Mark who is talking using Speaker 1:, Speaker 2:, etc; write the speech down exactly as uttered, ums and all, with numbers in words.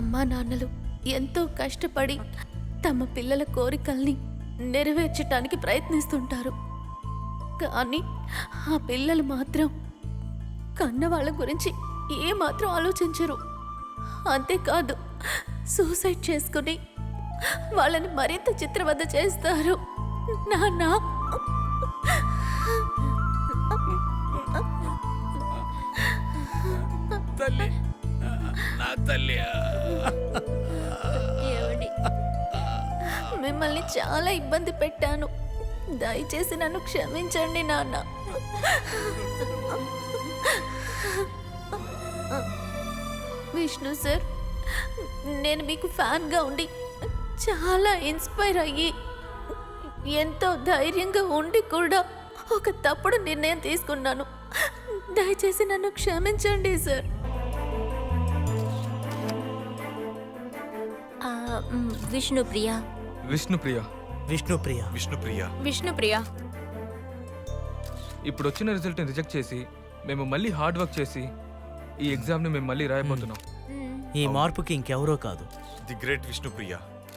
Speaker 1: అమ్మా నాన్నలు ఎంతో కష్టపడి తమ పిల్లల కోరికల్ని నెరవేర్చటానికి ప్రయత్నిస్తుంటారు. కానీ ఆ పిల్లలు మాత్రం కన్నవాళ్ళ గురించి ఏమాత్రం ఆలోచించరు. అంతేకాదు, సూసైడ్ చేసుకుని వాళ్ళని మరింత చిత్రవద చేస్తారు. నాన్న,
Speaker 2: తల్లి, నా తల్లి.
Speaker 1: మిమ్మల్ని చాలా ఇబ్బంది పెట్టాను. దయచేసి నన్ను క్షమించండి నాన్న. విష్ణు సార్, నేను మీకు ఫ్యాన్గా ఉండి చాలా ఇన్స్పైర్ అయ్యి ఎంతో ధైర్యంగా ఉండి కూడా ఒక తప్పుడు నిర్ణయం తీసుకున్నాను. దయచేసి నన్ను క్షమించండి సార్.
Speaker 3: విష్ణుప్రియ
Speaker 4: విష్ణుప్రియ
Speaker 5: విష్ణుప్రియ
Speaker 2: విష్ణుప్రియ
Speaker 3: విష్ణుప్రియ
Speaker 4: ఇప్పుడు వచ్చిన రిజల్ట్ని రిజెక్ట్ చేసి మేము మళ్ళీ హార్డ్ వర్క్ చేసి ఈ ఎగ్జామ్ని మేము మళ్ళీ రాయబోతున్నాం.
Speaker 5: ఈ మార్పుకి ఇంకెవరో కాదు,
Speaker 2: ది గ్రేట్ విష్ణుప్రియ.